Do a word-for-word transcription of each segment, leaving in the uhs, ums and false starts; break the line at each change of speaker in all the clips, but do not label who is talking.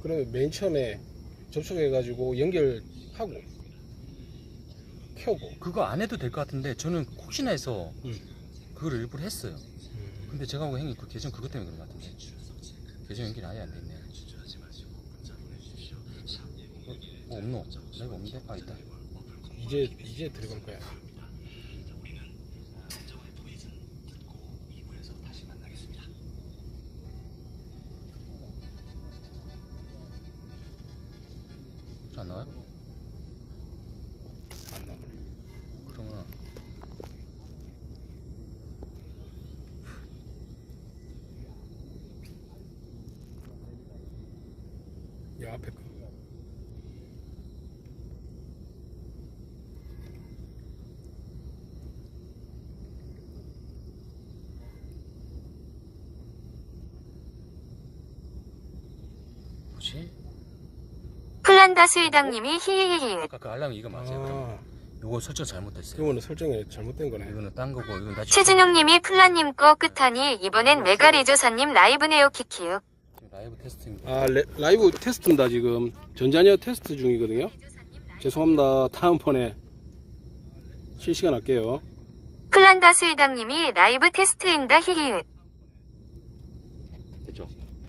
그러면 맨 처음에 접속해가지고 연결하고 켜고.
그거 안 해도 될 것 같은데 저는 혹시나 해서
음.
그걸 일부러 했어요.
음.
근데 제가 보고 형님 그 계정 그것 때문에 그런 것 같은데 계정 연결이 아예 안 돼 있네. 어, 어 없노? 라이브 없는데? 아 있다.
이제 이제 들어갈 거야.
안 나와요?
안 나오네.
그러면
야 앞에 거.
뭐지?
플란다스 회장님이 히히히히.
아까 그 알람 이거 맞아요? 그럼
아,
요거 설정 잘못됐어요.
이거는 설정이 잘못된 거네.
이거는 딴 거고 이건 다
최진용님이 플란님 거 끝하니 이번엔 메가리조사님 라이브네요 키키요.
지금 라이브 테스트입니다.
아 레, 라이브 테스트입니다. 지금 전자녀 테스트 중이거든요. 죄송합니다. 다음번에 실시간 할게요.
플란다스 회장님이 라이브 테스트인다 히히.
됐죠?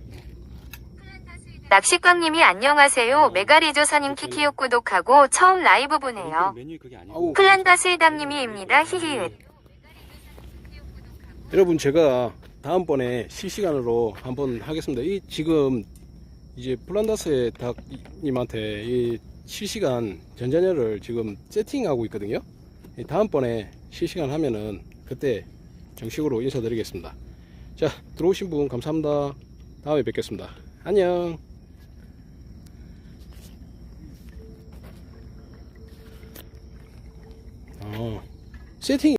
낚시광님이 안녕하세요. 메가리조사님 키키요 구독하고 처음 라이브 보네요.
메뉴 그게 아니고
아우,
플란다스 회장님이입니다 히히.
여러분 제가 다음번에 실시간으로 한번 하겠습니다. 이 지금 이제 플란다스의 닭님한테 이 실시간 전자녀를 지금 세팅하고 있거든요. 이 다음번에 실시간 하면은 그때 정식으로 인사드리겠습니다. 자, 들어오신 분 감사합니다. 다음에 뵙겠습니다. 안녕. 어, 세팅